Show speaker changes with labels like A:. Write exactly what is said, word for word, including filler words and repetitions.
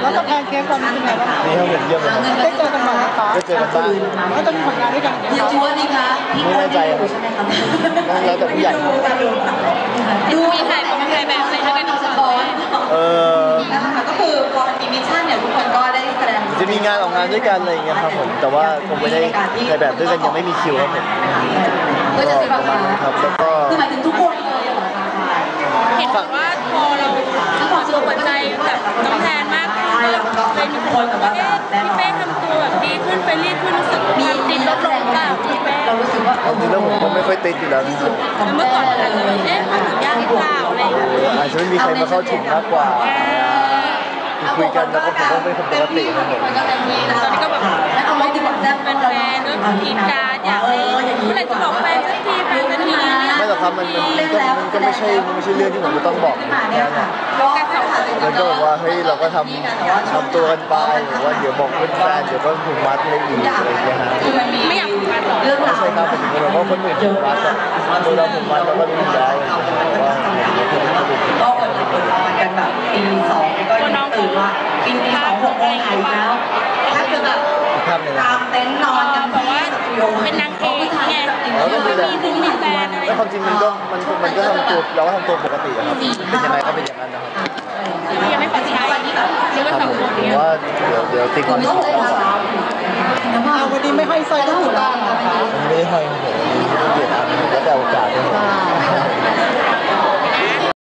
A: แล้วจะแพนเค้กตอนนี้เป็นไงบ้าง
B: นี่เขาเห็นเยี่ยมเลย
A: ได้เจอกันบ้างไหมคะ
B: ได้เจอกันบ้าง
A: แล้วจะมีผลงานด้วยกัน
C: ยังชัวร์ดีคะ
B: ไม่แน่ใจครับแล้วแต่ผู้ใหญ่
C: ดูมีถ่ายเป็นถ่ายแบบอะไรให้กันสปอย
B: เออ
C: นะคะก็คือพอมันมีมิชชั่นเนี่ยทุกคนก็ได้แสดง
B: จะมีงานออกงานด้วยกันอะไรอย่างเงี้ยครับผมแต่ว่าคงไม่ได้ถ่ายแบบด้วยกันยังไม่มีคิวครับผม
C: ก็จะประมาณ
B: ครับแล้วก็
C: คือหมายถึงทุกคนเลยเหรอคะ
D: เห็นว่าพอเราขอตัวหัวใจแบบน้องแทนมากขึ้นเลยมีคนแบบว่าเอ๊ะพี่เป้ทำตัวแบบดีขึ้นไปรีบขึ้นรู้สึกมีติดลดลงเปล่าพี่เป้
C: เรารู้สึกว่า
B: จริงๆแล้วผมก็ไม่ค่อยติดอยู่แล้ว
D: เมื่อก่อนอาจจะเอ๊ะมันถึงยากหรือเปล่าอะไรอย่างเงี้ย
B: อาจจะไม่มีใครมาเข้าถึงมากกว่าคุยกันแล้วก็ผมก็เป็นคนปกติครับผม
D: ตอนนี้ก็แบบ
C: เอาไว้ดีกว่าแซ่บ
D: เป็นแฟนก็กินการอยากให้เมื่อไหร่จะบอกแฟนสักทีแฟนสักที
B: ไม่หรอกครับมันมันก็มันก็ไม่ใช่มันไม่ใช่เรื่องที่ผมจะต้องบอกมันก็บอกว่าเฮ้ยเราก็ทำทำตัวกันไปหรือว่าเดี๋ยวบอกเพื่อนแฟนเดี๋ยวก็ผูกมัดอะไรอีกอะไรอย่างเงี้ยฮะ
D: ไม่อยากผูกมัดหรอ
B: ไม่ใช่ครับผมถึงบอกว่าคนอื่นผูกมัดอะตัวเราผูกมัดเราก็รู้แล้วว่า
C: ก็เปิดเปิดรอนกันแบบปีสองก็ยังตื่นว่าปีสองหกโมงไทยแล้วถ้าเกิดแบบตามเต็นท์นอนกัน
D: แบบว่าเป็นนางเอกไง
B: แล้วก็มีแต่
D: มีถึงมีแฟนอะไร
B: แล้วความจริงมันก็มันมันก็ทำตัวเราก็ทำตัวปกติครับเป็นยังไงก็เป็นอย่างนั้นนะครับ
D: ยังไม่ขอใช้หรือว่าสองคน
B: เนี่ยว่าเดี๋ยวเดี๋ยวติ๊กก่อน
A: วันนี้ไม่ให้ใส่ก็ถูกต้องนะคะ
B: ไม่ได้ให้ผมเปลี่ยนอันแล้วแต่โอกาสด้วย